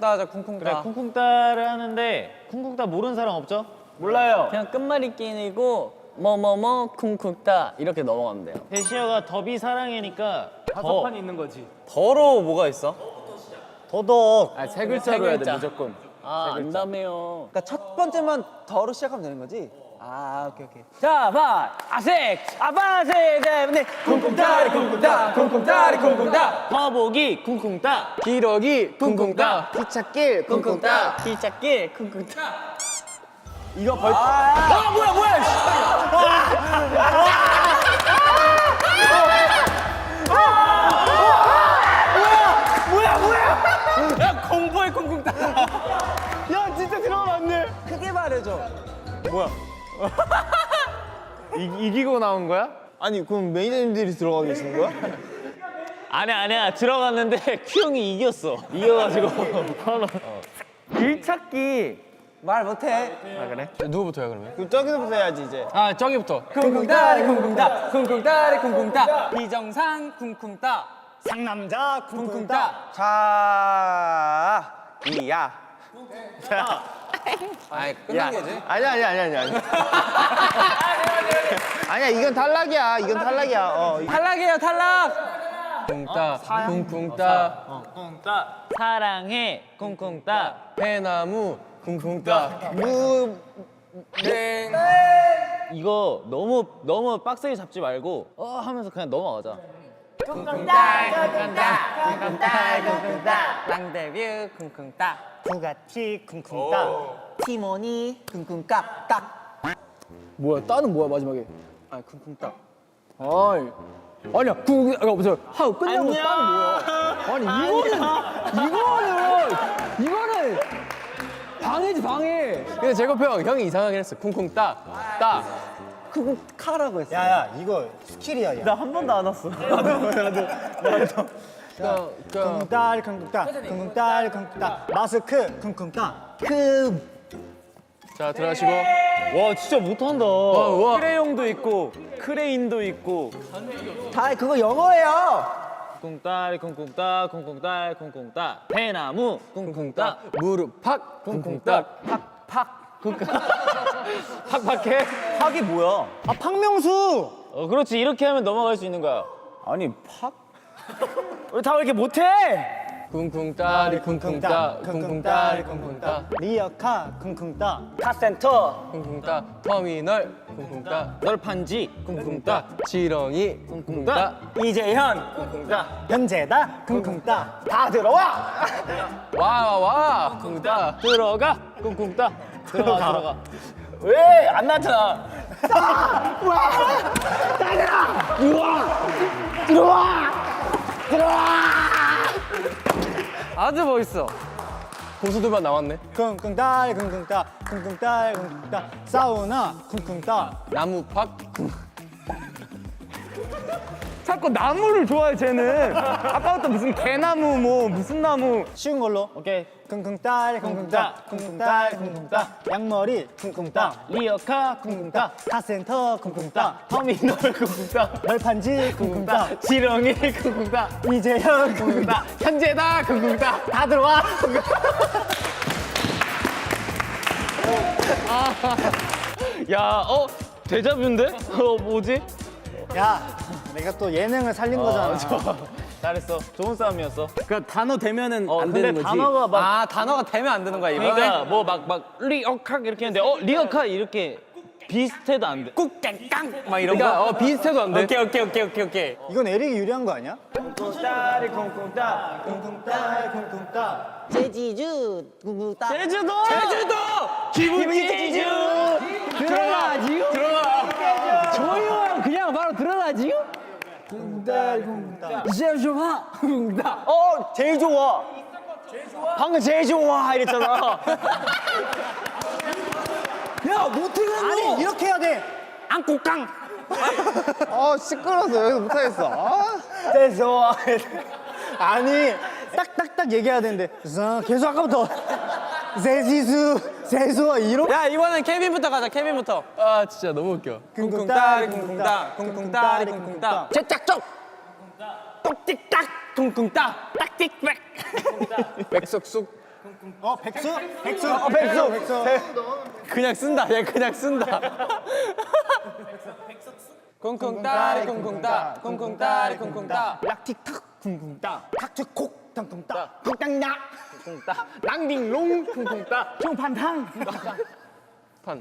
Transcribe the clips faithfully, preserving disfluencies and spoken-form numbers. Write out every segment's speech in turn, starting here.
쿵쿵따 하자. 쿵쿵따. 그래 쿵쿵따를 하는데 쿵쿵따 모르는 사람 없죠? 몰라요. 그냥 끝말잇기이고 뭐뭐뭐 쿵쿵따 이렇게 넘어가면 돼요. 대시어가 더비 사랑해니까 다섯 판이 있는 거지. 더로 뭐가 있어? 더덕. 아, 세 글자로 해야 돼 무조건. 아, 안다며요. 그러니까 첫 번째만 더로 시작하면 되는 거지? 아, 오케이, 오케이. 자, 봐. 아색. 아바색. 네. 쿵쿵따리 쿵쿵따. 쿵쿵따리 쿵쿵따. 화복이 쿵쿵따 기러기 쿵쿵따. 기찻길, 쿵쿵따. 기찻길 쿵쿵따. 이거 벌. 아, 뭐야, 뭐야. 야, 공포의 쿵쿵따. 야, 진짜 들어가면 안 돼. 크게 말해줘. 이, 이기고 나온 거야? 아니, 그럼 매니저님들이 들어가 계시는 거야? 아니야 아니야 들어갔는데 큐 형이 이겼어 이겨가지고 바로 길찾기. 말 못해. 아 그래? 누구부터야 그러면? 그럼 저기서부터 해야지, 이제. 아 저기부터. 쿵쿵따리 쿵쿵따. 쿵쿵따리 쿵쿵따. 비정상 쿵쿵따. 상남자 쿵쿵따. 자, 이야. 자. 아이 끝난 거지? 아니야, 아니야, 아니야, 아니야. 아니야. 아니야, 이건 탈락이야. 이건 탈락이야. 어. 탈락이에요, 탈락. 쿵따 쿵쿵따 사랑해 쿵쿵따 해나무 쿵쿵따 무. 땡. 이거 너무 너무 빡세게 잡지 말고 어 하면서 그냥 넘어가자. 랑데뷰 쿵쿵따. 부가티 쿵쿵따. 티모니 쿵쿵깍 깍. 뭐야, 따는 뭐야, 마지막에? 아, 쿵쿵따. 아이. 아니야, 구, 아, 무슨 하고 끝나고 따는 뭐야? 아니, 이거는, 이거는, 이거는 방해지, 방해. 근데 제곱 형 형이 이상하게 했어. 쿵쿵따 따. 쿵쿵카라고 했어. 야야 이거 스킬이야. 나 한 번도 안 왔어. 그, 그, 쿵쿵딸 쿵쿵따 쿵쿵딸 쿵쿵따 마스크 쿵쿵따 크. 자 들어가시고. 와 진짜 못한다. 와. 크레용도 있고 크레인도 있고. 다 그거 영어예요. 쿵쿵따리 쿵쿵따 쿵쿵따 쿵쿵따 해나무 쿵쿵따 무릎 팍 쿵쿵따 팍팍. 팍팍해. 팍이 뭐야? 아 박명수. 어 그렇지 이렇게 하면 넘어갈 수 있는 거야. 아니 팍? 왜 다 왜 이렇게 못해? 쿵쿵따리 쿵쿵따 쿵쿵따리 쿵쿵따 리어카 쿵쿵따 카센터. 쿵쿵따 터미널 쿵쿵따 널판지 쿵쿵따 지렁이 쿵쿵따 이재현 쿵쿵따. 현재다 쿵쿵따 다 들어와. 와와 쿵쿵따 들어가 쿵쿵따 들어가 들어가. 왜 안 나타나? 아주 멋있어. 고수들만 나왔네. 쿵쿵딸 쿵쿵따 쿵쿵딸 쿵쿵따 사우나 쿵쿵따. 나무 팍 자꾸 나무를 좋아해, 쟤는. 아까부터 무슨 개나무, 뭐, 무슨 나무. 쉬운 걸로. 오케이. 쿵쿵딸 쿵쿵따 쿵쿵딸 쿵쿵따 양머리 쿵쿵따 리어카 쿵쿵따 카센터 쿵쿵따 터미널 쿵쿵따 널판지 쿵쿵따 지렁이 쿵쿵따 이재현 쿵쿵따 현재다 쿵쿵따 다 들어와. 야 어 데자뷰인데? 어 뭐지? 야 내가 또 예능을 살린 거잖아. 잘했어. 좋은 싸움이었어. 그러니까 단어 되면은 어 안 근데 되는 거지. 단어가 막 아 단어가 되면 안 되는 거야 이거. 그러니까 뭐 막 막 리어카 이렇게 했는데 어 리어카 이렇게 비슷해도 안 돼. 꾹깡깡 막 이런 그러니까 거. 어 비슷해도 안 돼. 오케이, 오케이, 오케이, 오케이, 오케이. 이건 에릭이 유리한 거 아니야? 쿵쿵따리 쿵쿵따 쿵쿵따 쿵쿵따. 제지주 쿵쿵따. 제주도! 제주도! 기분이 제주! 들어가지요? 들어가. 조용하면 그냥 바로 들어가지요? 쿵쿵따리 쿵쿵따. 이제 좀 하. 나. 어 제일 좋아. 방금 제일 좋아 이랬잖아. 야 못하겠노. 아니 이렇게 해야 돼. 안국강. 어 시끄러워서 여기서 못하겠어. 아. 제일 좋아. 아니 딱딱딱 얘기해야 되는데 자, 계속 아까부터 세지수 세수와 이로. 야 이번엔 케빈부터 가자. 케빈부터. 아 진짜 너무 웃겨. 쿵쿵따리 쿵쿵따 쿵쿵따리 쿵쿵따. 제짝쪽. 똑틱딱 쿵쿵따. 딱틱백. 백석숙 어 백수? 백수? 어 백수 백수. 그냥 쓴다. 얘 그냥 쓴다. 쿵쿵따리 쿵쿵따 쿵쿵따리 쿵쿵따 락틱탁 쿵쿵따 탁트콕 탕쿵따 쿵땅나 쿵쿵따 랑딩롱 쿵쿵따 총판탕 판.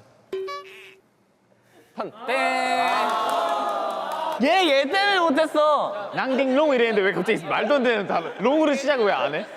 판. 땡. 얘, 얘 때문에 못했어. 랑딩롱 이랬는데 왜 갑자기 말도 안 되는 단어 롱으로 시작을 왜 안 해?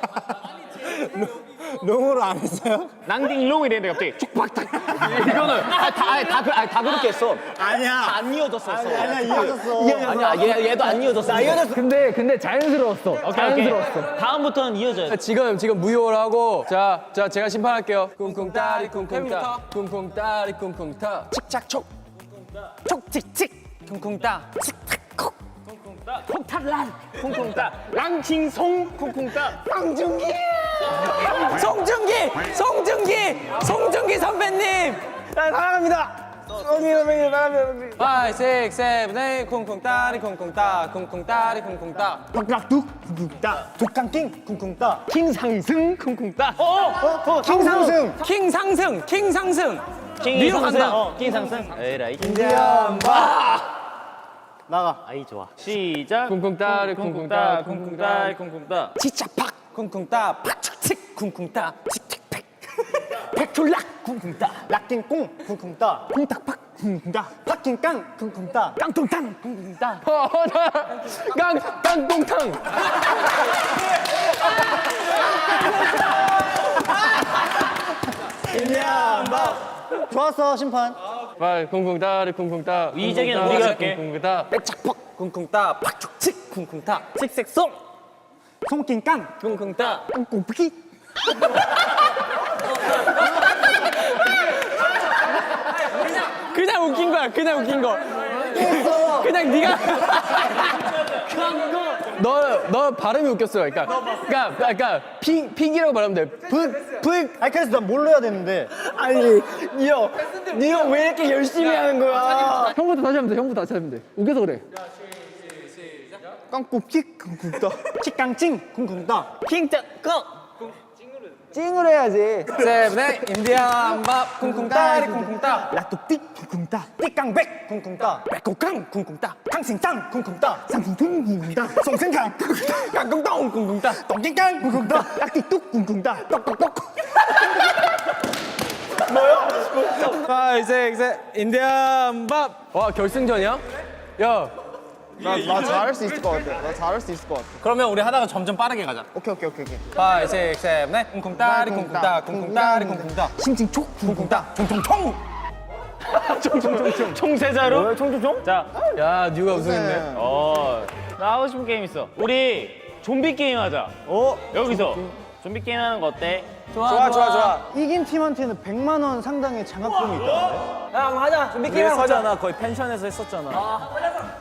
롱으로 안 했어요? 랑딩롱 이랬는데 갑자기 촉박탁 이거는 아, 다, 아, 다, 그- 아, 다 그렇게 했어. 아니야 안 이어졌었어. 아니야 이어졌어 아니야, 얘, 얘도 안 이어졌어. 나 이어졌어. 근데 근데 자연스러웠어. 오케이 오케이 자연스러웠어. 다음부터는 이어져요 지금 지금 무효를 하고 자, 자 제가 심판할게요. 쿵쿵따리 쿵쿵따 쿵쿵따리 쿵쿵따 칙착촉 촉칙칙 쿵쿵따 칙착콕 쿵쿵따 쿵쿵따 랑칭송 쿵쿵따 송중기 송중기 송중기 송중기 선배님 사랑합니다 송이 선배님 사랑합니다 파이브, 식스, 세븐, 에잇 쿵쿵따리 쿵쿵따 쿵쿵따리 쿵쿵따 박락둑 쿵쿵따 독강킹 쿵쿵따 킹상승 쿵쿵따 어? 킹상승 킹 상승 킹 상승 킹이 위로 상승 간다. 어, 킹상승 에라이 나가 아이 좋아 시작 쿵쿵따리 쿵쿵따 쿵쿵따 쿵쿵따 치차팍 쿵쿵따 팍칙칙 쿵쿵따 칙칙팩 백툴락 쿵쿵따 락킹꽁 쿵쿵따 쿵탁팍 쿵쿵따 팍킹깡 쿵쿵따 깡통탕 쿵쿵따 깡 깡통탕 좋았어 심판 빨 쿵쿵따리 쿵쿵따 이제는 우리가 할게. 쿵쿵따 백착팍 쿵쿵따 팍축칙 쿵쿵따 칙색송 송킹깡 쿵쿵따 꽁꽁푸기 그냥 웃긴 거야 그냥 웃긴 거 그냥 네가 너, 너 발음이 웃겼어 그러니까 그러니까 그러니까 픽, 픽이라고 말하면 돼 붓! 붓! 아니 그래서 난 뭘로 해야 되는데 아니 니형 니형 왜 이렇게 열심히 하는 거야 형부터 다시 하면 돼. 형부터 다시 하면 돼. 웃겨서 그래. 깡꽁찍 쿵쿵따 칙깡찡 쿵쿵따 킹짱 꺼 찡으로 해야지. 세븐에 인디안 밥 쿵쿵따리 쿵쿵따 라뚝띡 쿵쿵따 띠깡백 쿵쿵따 백곡강 쿵쿵따 캉싱짱 쿵쿵따 쌍풍풍 쿵쿵따 송생강 쿵쿵따 깡꽁똥 쿵쿵따 똥띵깡 쿵쿵따 락띠뚝 쿵쿵따 똑똑똑 파이브, 식스, 인디안 밥. 와 결승전이야? 야 나, 나 잘할 수 있을 것 같아. 나 잘할 수 있을 것 같아. 그러면 우리 하다가 점점 빠르게 가자 오케이 오케이 오케이 오케이. 파이브, 식스, 세븐, 에잇 쿵쿵따리 쿵쿵따 쿵쿵따리 쿵쿵따 싱칭촉 쿵쿵따 총총총 총세자로 총총총 자 야 뉴가 우승했네 어, 나 하고 싶은 게임 있어. 우리 좀비 게임 하자. 어? 여기서 좀비 게임 하는 거 어때? 좋아 좋아 좋아 이긴 팀한테는 백만 원 상당의 장학금이 있다 형 하자 준비 게임 하자 거의 펜션에서 했었잖아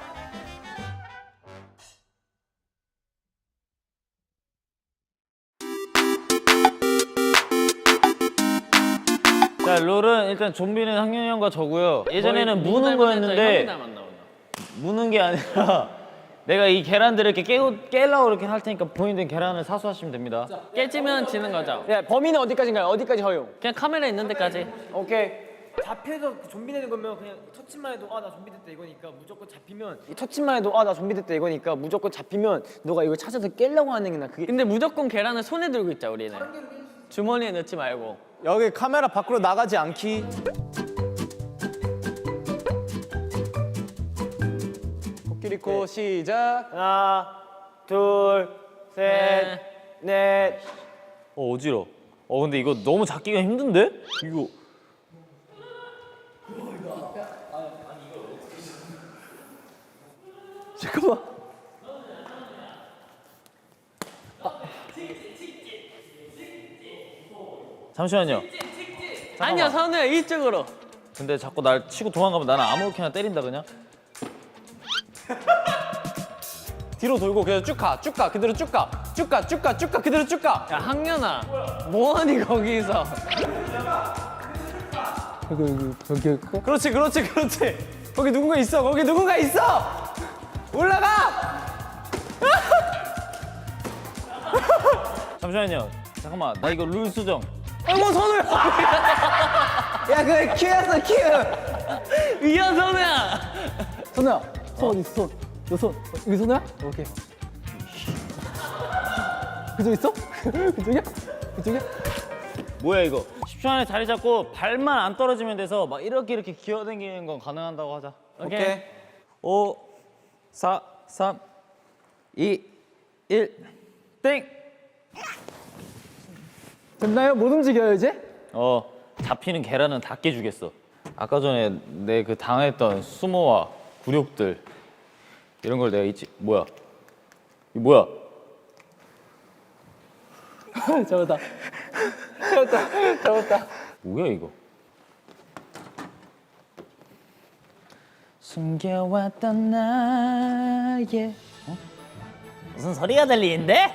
자, 룰은 일단 좀비는 학년이 형과 저고요. 예전에는 무는 거였는데 무는 게 아니라 내가 이 계란들을 이렇게 깨고 깨려고 이렇게 할 테니까 본인들 계란을 사수하시면 됩니다. 깨지면 지는 거죠. 야 범인은 어디까지인가요? 어디까지 허용? 그냥 카메라 있는 데까지. 오케이 잡혀서 그 좀비 되는 거면 그냥 터치만 해도 아 나 좀비 됐다 이거니까 무조건 잡히면 이 터치만 해도 아 나 좀비 됐다 이거니까 무조건 잡히면 너가 이걸 찾아서 깨려고 하는 게 나 그게 근데 무조건 계란을 손에 들고 있자 우리는. 주머니에 넣지 말고. 여기 카메라 밖으로 나가지 않기 코끼리코 시작 하나 둘셋넷 어, 어지러. 어, 근데 이거 너무 잡기가 힘든데? 이거 잠깐만 잠시만요. 아니야 선우야 이쪽으로. 근데 자꾸 날 치고 도망가면 나는 아무렇게나 때린다 그냥. 뒤로 돌고 그냥 쭉가 쭉 가 그대로 쭉가쭉가쭉가쭉가 그대로 쭉가 야 학년아 뭐하니 거기서. 그렇지 그렇지 그렇지 거기 누군가 있어 거기 누군가 있어 올라가 잠시만요. 잠깐만 나 이거 룰 수정. 어머 손을. 야 그래 큐였어 큐. 위야 선우야. 손우야 손 어디 있어 손? 너 손 여기 손우야? 오케이. 그쪽 있어? 그쪽이야? 그쪽이야? 뭐야 이거? 십 초 안에 자리 잡고 발만 안 떨어지면 돼서 막 이렇게 이렇게 기어다니는 건 가능한다고 하자. 오케이. 오, 사, 삼, 이, 일, 땡. 됐나요? 못 움직여요 이제? 어 잡히는 계란은 다 깨주겠어. 아까 전에 내 그 당했던 수모와 굴욕들 이런 걸 내가 잊지. 뭐야? 이 뭐야? 잡았다. 잡았다. 잡았다. 뭐야 이거? 숨겨왔던 나의 어? 무슨 소리가 들리는데?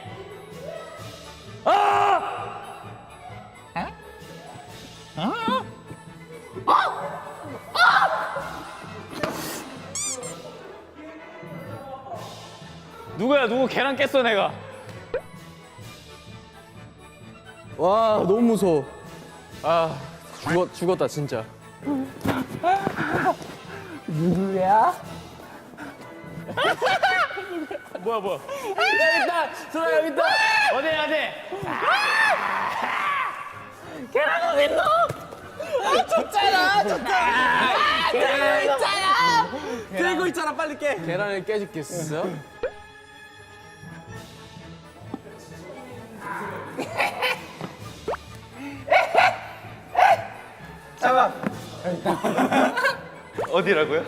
누구야 누구 계란 깼어 내가. 와 너무 무서워. 아 죽었 죽었다 진짜. 누구야? 뭐야 뭐야? 여기 있다. 소라 여기 있다. 어디 어디? 계란 어디 있노? 아 줬잖아 줬잖아. 계란 있잖아. 들고 있잖아 빨리 깨. 계란을 깨줄겠어? 잠깐. 어디라고요?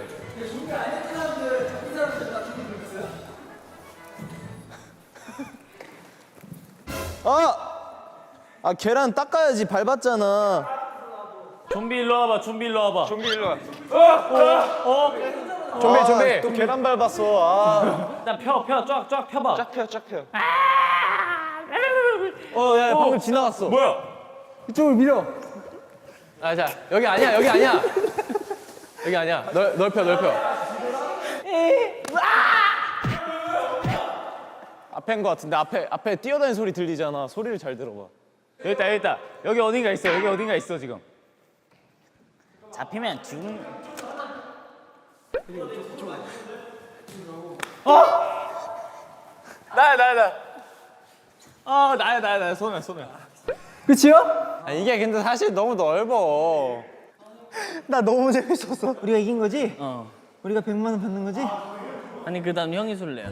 아 계란 닦아야지 밟았잖아. 좀비 일로 와봐. 좀비 일로 와봐. 좀비 일로 와. 좀비 좀비. 또 계란 밟았어. 아. 일단 펴, 펴, 쫙, 쫙 펴봐. 쫙 펴, 쫙 펴. 어, 야, 방금 지나갔어. 뭐야? 이쪽을 밀어. 아, 자, 여기 아니야, 여기 아니야. 여기 아니야. 넓, 넓혀, 넓혀. 앞에인 것 같은데 앞에 앞에 뛰어다니는 소리 들리잖아. 소리를 잘 들어봐. 여기 있다, 여기 있다. 여기 어딘가 있어. 여기 어딘가 있어 지금. 잡히면 죽. 나야, 나야, 나. 아, 나야, 나야, 나야. 손이야, 손이야. 그치요? 아, 이게 근데 사실 너무 넓어. 나 너무 재밌었어. 우리가 이긴 거지? 어. 우리가 백만 원 받는 거지? 아니 그다음 형이 술래야.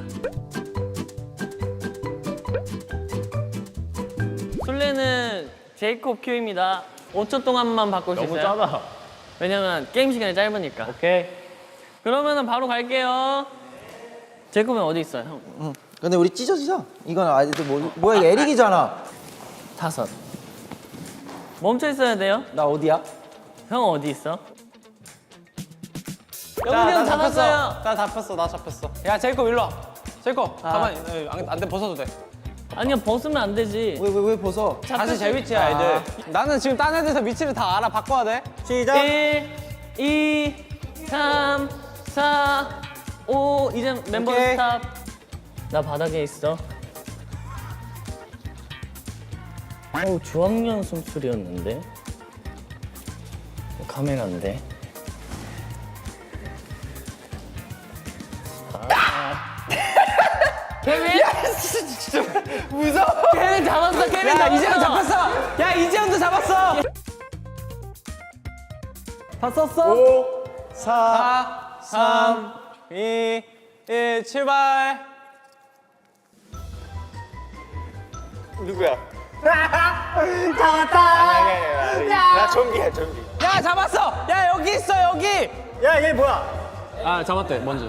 술래는 제이콥 큐입니다. 오 초 동안만 바꿀 수 너무 있어요. 짜다. 왜냐면 게임 시간이 짧으니까. 오케이. 그러면은 바로 갈게요. 제이콥은 어디 있어요, 형? 응. 근데 우리 찢어지자. 이건 아직도 뭐, 뭐야 이거 에릭이잖아. 다섯. 멈춰 있어야 돼요. 나 어디야? 형 어디 있어? 자, 영훈이 형 나 잡았어요. 나 잡혔어, 나 잡혔어. 야, 제이콥 일로 와. 제이콥, 아. 가만히. 에, 안, 안 돼, 벗어도 돼. 아니야 벗으면 안 되지. 왜 왜 왜 벗어? 다시 제 위치야, 애들. 나는 지금 딴 애들에서 위치를 다 알아. 바꿔야 돼. 시작. 일, 이, 삼, 사, 오. 이제 멤버 오케이. 스탑. 나 바닥에 있어. 어우 주황년 숨소리였는데. 카메라인데. 케빈? 무서워. 케빈 잡았어. 케빈 야, 잡았어. 이재현 잡혔어. 야, 이재현도 잡았어. 다 썼어? 오, 사, 삼, 이, 일, 출발. 누구야? 잡았다. 아니, 아니, 아니, 아니. 나 좀비야, 좀비. 야, 잡았어. 야, 여기 있어, 여기. 야, 얘 뭐야? 아, 잡았대. 먼저.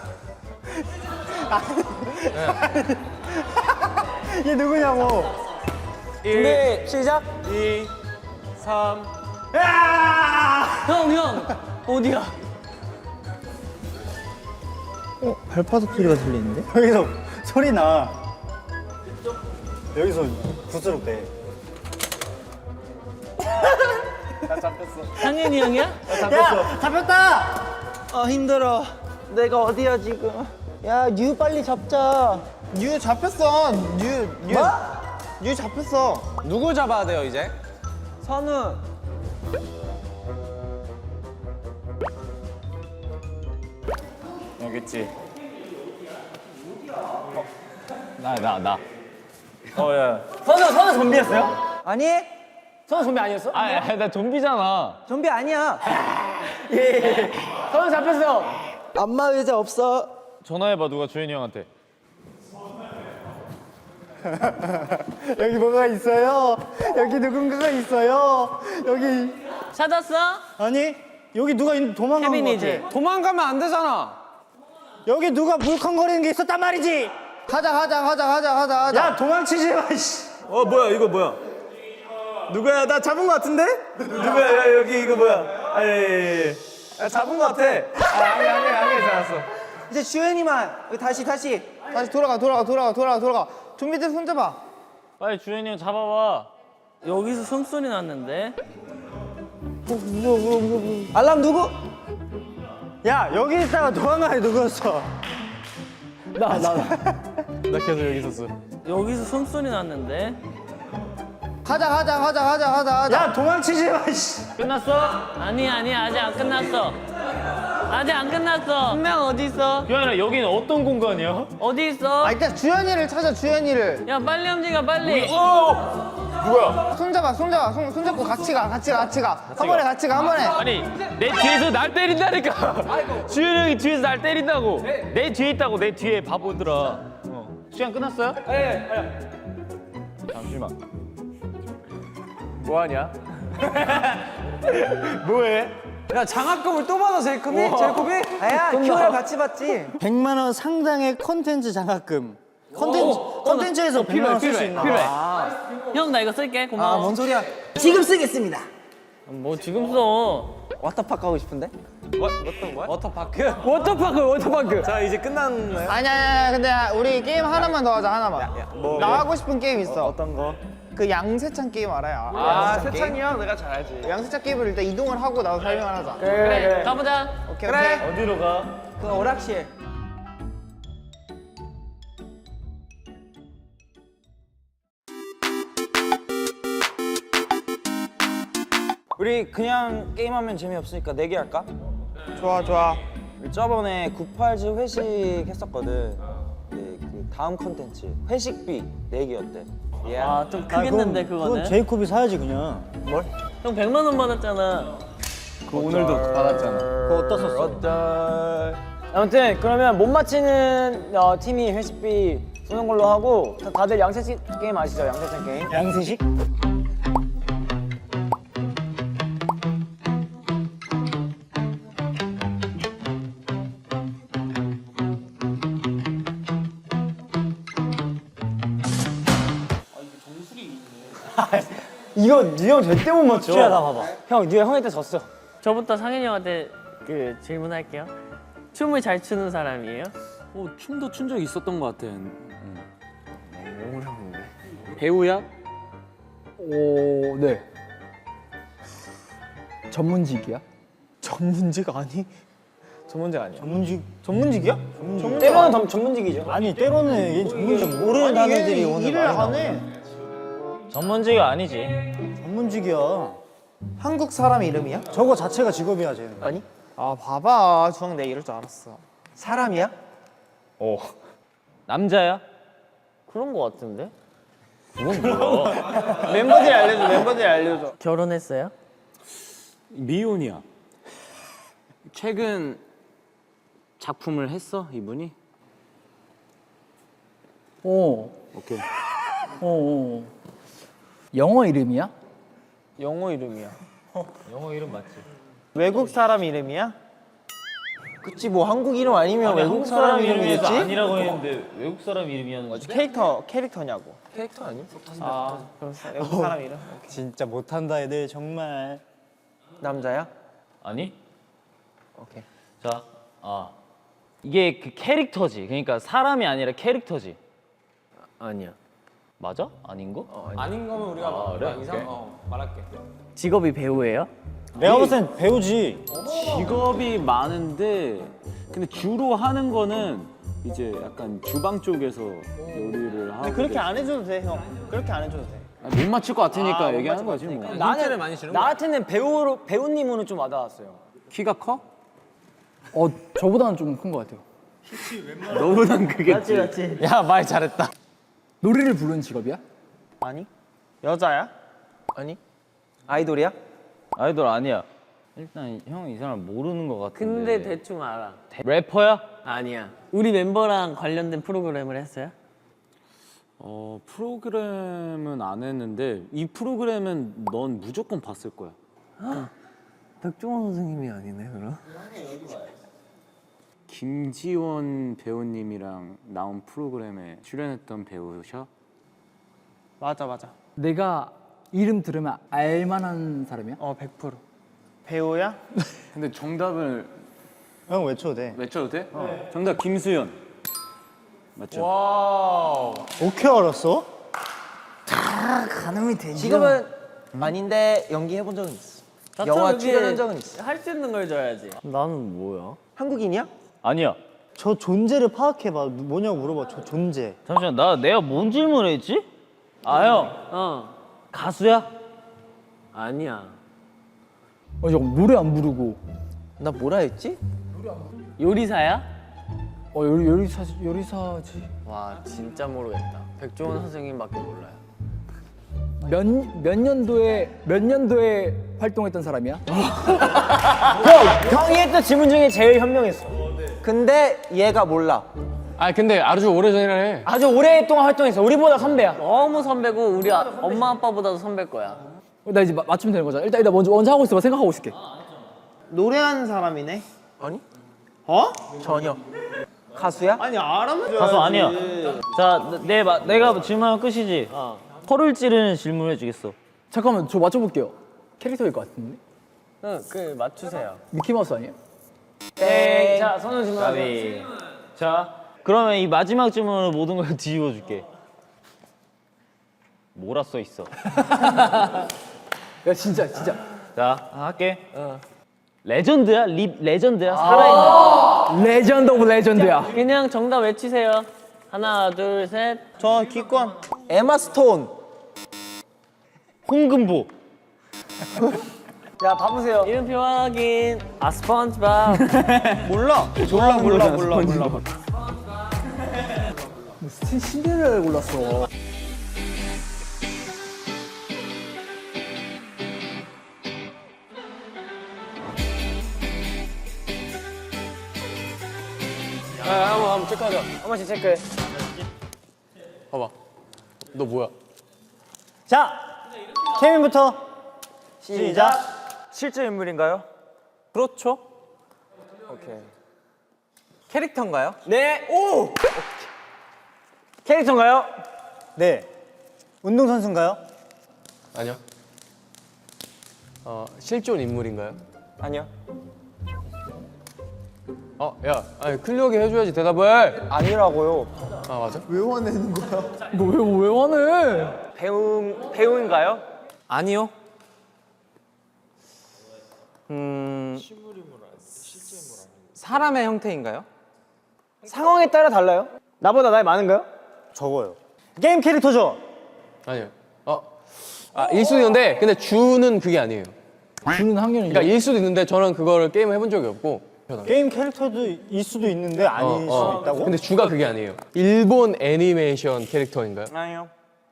얘 누구냐고. 준비, 시작. 이, 삼. 형, 형. 어디야? 어 발바닥 소리가 들리는데? 여기서 소리 나. 여기서 부스럽대. 상현이 형이야? 야, 잡혔다. 아 힘들어. 내가 어디야 지금? 야 뉴 빨리 잡자. 뉴 잡혔어. 뉴, 뉴. 뭐? 유 잡혔어. 누구 잡아야 돼요 이제? 선우. 알겠지. 나 나 나. 어 야. 선우 선우 좀비였어요? 아니. 선우 좀비 아니었어? 아, 야, 나 좀비잖아. 좀비 아니야. 예. 선우 잡혔어. 안마 의자 없어. 전화해봐 누가 주현이 형한테. 여기 뭐가 있어요? 여기 누군가가 있어요? 여기 찾았어? 아니 여기 누가 있- 도망간 거 혜민이지. 같아. 도망가면 안 되잖아. 여기 누가 물컹거리는 게 있었단 말이지. 가자 가자 가자 가자 가자 가자. 야 도망치지 마. 씨. 어 뭐야 이거 뭐야? 누구야? 나 잡은 거 같은데? 누구야? 야, 여기 이거 뭐야? 아, 예, 예, 예. 아, 잡은 거 같아. 아, 아니 아니 아니 잡았어. 이제 주현이만. 여기 다시 다시 다시 돌아가 돌아가 돌아가 돌아가 돌아가. 좀비들 손잡아. 빨리 주현이 형 잡아봐. 여기서 숨소리 났는데. 알람 누구? 야 여기 있다가 도망가야 누구였어? 나 나 나. 나 계속 여기 있었어. 여기서 숨소리 났는데. 가자 가자 가자 가자 가자 가자. 야 도망치지 마. 씨. 끝났어? 아니 아니 아직 안 끝났어. 아직 안 끝났어. 한 명 어디 있어? 주현아 여기는 어떤 공간이야? 어디 있어? 아 일단 주현이를 찾아 주현이를. 야 빨리 움직여 빨리. 손잡아 손잡아 손 손잡고 같이 가 같이 가 같이 가. 한 번에 같이 가 한 번에. 아니 내 뒤에서 날 때린다니까. 주현이 형이 뒤에서 날 때린다고. 내 뒤에 있다고 내 뒤에 바보들아. 어. 시간 끝났어요? 네. 잠시만. 뭐하냐? 뭐해? 야 장학금을 또 받아 제이콥이? 제이콥이? 아야 큐알 같이 받지. 백만 원 상당의 컨텐츠 장학금. 컨텐츠 컨텐츠에서 백만 원 쓸 수 있나? 필요해. 형 나 이거 쓸게. 고마워. 뭔 소리야? 지금 쓰겠습니다. 뭐 지금 써. 워터파크 가고 싶은데? 뭐, 어떤 거야? 워터파크? 워터파크 워터파크. 자 이제 끝났나요? 아니야 아니야 근데 우리 게임 하나만 더 하자 하나만. 뭐, 나 하고 싶은 게임 있어. 어떤 거? 그 양세찬 게임 알아요? 아 양세찬 게임? 세찬이 형 내가 잘 알지. 양세찬 게임을 일단 이동을 하고 나도 설명을 하자. 그래 가보자. 오케이 그래. 오케이. 어디로 가? 그 오락실. 우리 그냥 게임하면 재미없으니까 내기 할까? 좋아 좋아. 저번에 구팔지 회식 했었거든. 네, 그 다음 컨텐츠 회식비 내기 어때? 예. 아 좀 크겠는데 그건 그거는. 제이콥이 사야지 그냥. 형 백만 원 받았잖아. 그 오늘도 받았잖아. 그거 어디다 썼어? 아무튼 그러면 못 맞히는 어, 팀이 회식비 쏘는 걸로 하고 다, 다들 양세찬 게임 아시죠? 양세찬 게임. 양세식? 이거 니형 절대 못 맞춰. 야, 나 봐봐. 형, 니가 형한테 졌어. 저부터 상현이 형한테 그 질문할게요. 춤을 잘 추는 사람이에요? 어, 춤도 춘 적 있었던 것 같아. 배우야? 오 네. 전문직이야? 전문직 아니? 전문직 아니야. 전문직 전문직이야? 때로는 전- 전문직이죠. 아니 때로는 얘 전문직 모르는 단어들이 오늘 일을 많이 나와. 하네. 전문지가 아니지. 전문직이야. 한국 사람 이름이야? 저거 자체가 직업이야 쟤는. 아니? 아 봐봐 주황 내 이럴 줄 알았어. 사람이야? 어. 남자야? 그런 거 같은데? 멤버들이 알려줘 멤버들이 알려줘. 결혼했어요? 미혼이야. 최근 작품을 했어 이분이? 오. 오케이. 오, 오. 영어 이름이야? 영어 이름이야. 영어 이름 맞지? 외국 사람 이름이야? 그치 뭐 한국 이름 아니면 외국 한국 사람 사람 이름이어서 이름이겠지? 아니라고 했는데 외국 사람 이름이었는 거지? 캐릭터 캐릭터냐고. 캐릭터 아니? 아 그럼 사- 외국 사람 이름? 진짜 못한다 애들 정말. 남자야? 아니? 오케이. 자, 아 이게 그 캐릭터지. 그러니까 사람이 아니라 캐릭터지. 아니야. 맞아? 아닌 거? 아닌 거면 우리가 아, 그래? 이상 오케이. 어, 말할게. 직업이 배우예요? 내가 볼 땐 배우지. 직업이 많은데 근데 주로 하는 거는 이제 약간 주방 쪽에서 요리를 하고. 그렇게 안 해줘도 돼, 형. 그렇게 안 해줘도 돼. 못 맞출 것 같으니까 얘기하는 거지 뭐. 나는 나 같은 배우 배우님으로는 좀 와닿았어요. 키가 커? 어, 저보다는 좀 큰 것 같아요. 너보단 그게. 맞지, 맞지. 야, 말 잘했다. 노래를 부르는 직업이야? 아니? 여자야? 아니? 아이돌이야? 아이돌 아니야. 일단 형 이 사람 모르는 것 같은데. 근데 대충 알아. 래퍼야? 아니야. 우리 멤버랑 관련된 프로그램을 했어요? 어 프로그램은 안 했는데 이 프로그램은 넌 무조건 봤을 거야. 백종원 선생님이 아니네 그럼? 김지원 배우님이랑 나온 프로그램에 출연했던 배우셔? 맞아, 맞아. 내가 이름 들으면 알만한 사람이야? 어, 백 퍼센트. 배우야? 근데 정답을 형 외쳐도 돼. 외쳐도 돼? 정답 김수현. 맞죠? 어떻게 알았어? 가늠이 되지. 지금은 아닌데 연기해본 적은 있어. 영화 출연한 적은 있어. 할 수 있는 걸 줘야지. 나는 뭐야? 한국인이야? 아니야. 저 존재를 파악해봐. 뭐냐고 물어봐. 저 존재. 잠시만 나 내가 뭔 질문을 했지? 아 형 어. 가수야? 아니야. 어, 잠깐 노래 안 부르고. 나 뭐라 했지? 요리사야? 어, 요리, 요리사, 요리사지. 와 진짜 모르겠다. 백종원 선생님밖에 몰라요. 몇, 몇 년도에, 몇 년도에 활동했던 사람이야? 형이 했던 질문 중에 제일 현명했어. 근데 얘가 몰라. 아 근데 아주 오래전이라 해. 아주 오랫동안 활동했어. 우리보다 선배야. 너무 선배고 우리 아, 엄마 아빠보다도 선배일 거야. 나 이제 마- 맞추면 되는 거잖아. 일단, 일단 먼저, 먼저 하고 있어봐. 생각하고 있을게. 노래하는 사람이네? 아니? 어? 전혀. 가수야? 아니, 알아면 가수 아니야. 자, 내, 마- 내가 질문하면 끝이지. 허를 찌르는 질문을 해주겠어. 잠깐만, 저 맞춰볼게요. 캐릭터일 것 같은데? 응, 그 맞추세요. 미키마우스 아니에요? 땡. 자, 선우 질문하세요. 가비. 자, 그러면 이 마지막 질문으로 모든 걸 뒤집어 줄게. 뭐라 써 있어? 야, 진짜, 진짜. 자, 할게. 레전드야? 립 레전드야? 살아있는. 레전드 오브 레전드야. 그냥 정답 외치세요. 하나, 둘, 셋. 저 기권. 에마 스톤. 홍금보. 자, 봐보세요. 이름표 확인. 아 스펀지밥. 몰라. 몰라, 몰라, 몰라, 몰라. 무슨 신데렐라를 골랐어. 야 한번 한번 체크하자. 한 번씩 체크해. 봐봐. 너 뭐야? 자, 케빈부터 시작. 실제 인물인가요? 그렇죠. 오케이. 캐릭터인가요? 네. 오! 캐릭터인가요? 네. 운동선수인가요? 아니요. 어 실존 인물인가요? 아니요. 어, 야, 아니 클리어하게 해줘야지 대답을. 아니라고요. 아 맞아? 외워내는 거야. 너 왜, 왜 화내? 배우 배우인가요? 아니요. 음. 사람의 형태인가요? 상황에 따라 달라요. 나보다 나이 많은가요? 적어요. 게임 캐릭터죠? 아니요. 어. 아, 일 수도 있는데 근데 주는 그게 아니에요. 주는 학년이. 그러니까 일 수도 있는데 저는 그거를 게임을 해본 적이 없고. 게임 캐릭터도 일 수도 있는데 아닐 어, 어. 수도 있다고? 근데 주가 그게 아니에요. 일본 애니메이션 캐릭터인가요? 아니요.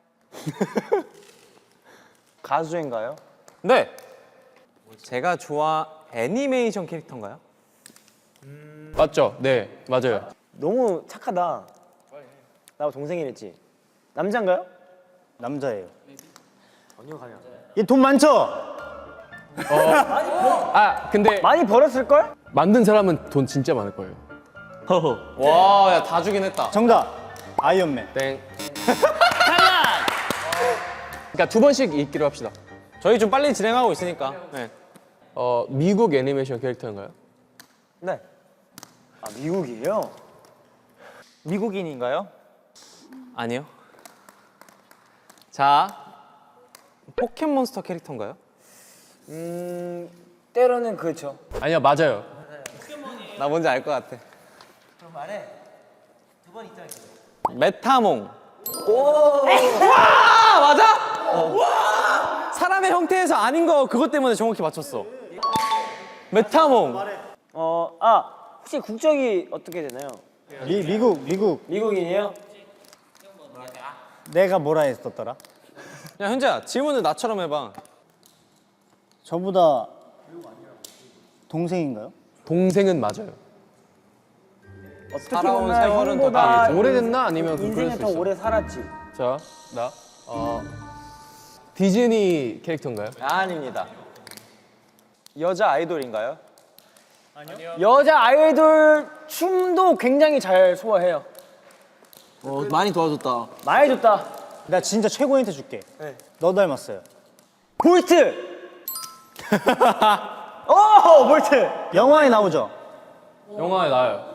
가수인가요? 네. 제가 좋아 애니메이션 캐릭터인가요? 맞죠? 네, 맞아요. 너무 착하다. 나하고 동생이랬지. 남자인가요? 남자예요. 얘 돈 많죠? 아, 근데 많이 벌었을 걸? 만든 사람은 돈 진짜 많을 거예요. 와, 야, 다 주긴 했다. 정답. 아이언맨. 땡. 그러니까 두 번씩 읽기로 합시다. 저희 좀 빨리 진행하고 있으니까. 네. 어, 미국 애니메이션 캐릭터인가요? 네. 아, 미국이에요? 미국인인가요? 아니요. 자, 포켓몬스터 캐릭터인가요? 음, 때로는 그렇죠. 아니요, 맞아요. 나 뭔지 알 것 같아. 메타몽. 와 맞아? 와 사람의 형태에서 아닌 거 그것 때문에 정확히 맞췄어. 메타몽. 어, 아 혹시 국적이 어떻게 되나요? 미, 미국 미국 미국인이에요? 내가 뭐라 했었더라? 야 현재야 질문을 나처럼 해봐. 저보다 동생인가요? 동생은 맞아요. 살아온 보면 세월은 더 형보다 다르지. 오래됐나 아니면 그럴 인생에 수 더 있어. 오래 살았지. 자, 나 어, 디즈니 캐릭터인가요? 아닙니다. 여자 아이돌인가요? 아니요. 여자 아이돌 춤도 굉장히 잘 소화해요. 어, 많이 도와줬다. 많이 줬다. 나 진짜 최고 힌트 줄게. 네. 너 닮았어요. 볼트. 오 볼트. 영화에 나오죠? 영화에 나와요.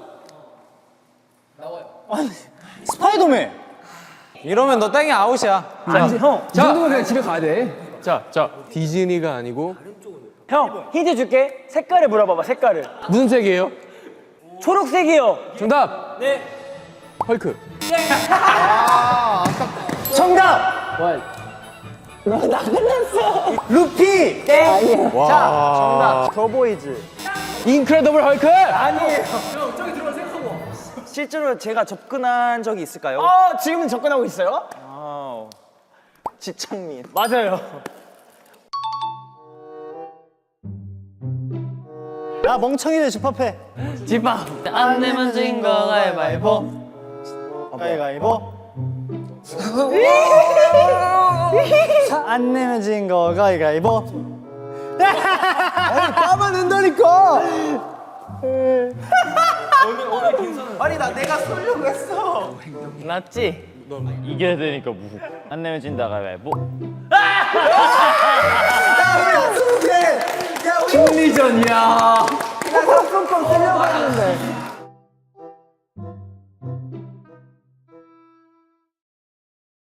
스파이더맨. 이러면 너 땡이 아웃이야. 아니 형. 이 자. 정도면 그냥 집에 가야 돼. 자, 자 디즈니가 아니고 형 힌트 줄게. 색깔을 물어봐봐. 색깔을. 무슨 색이에요? 초록색이요. 정답. 네. 헐크. 정답. 루피. 땡. 자 정답. 더보이즈. 인크레더블 헐크. 아니에요. 형 저기 들어가 생각하고. 실제로 제가 접근한 적이 있을까요? 어 지금은 접근하고 있어요? 아 지창민. 맞아요. 야 멍청이들 집합해. 집밥 안 내면 진 거 가위바위보. 가위가위보. 안 내면 진 거 가위가위보. 까만 낸다니까. 아니 나 내가 쏠려고 했어. 맞지? 이겨야 되니까 무. 안 내면 진다 가위바위보. 심리전이야. 나 상품권 쓰려고 했는데.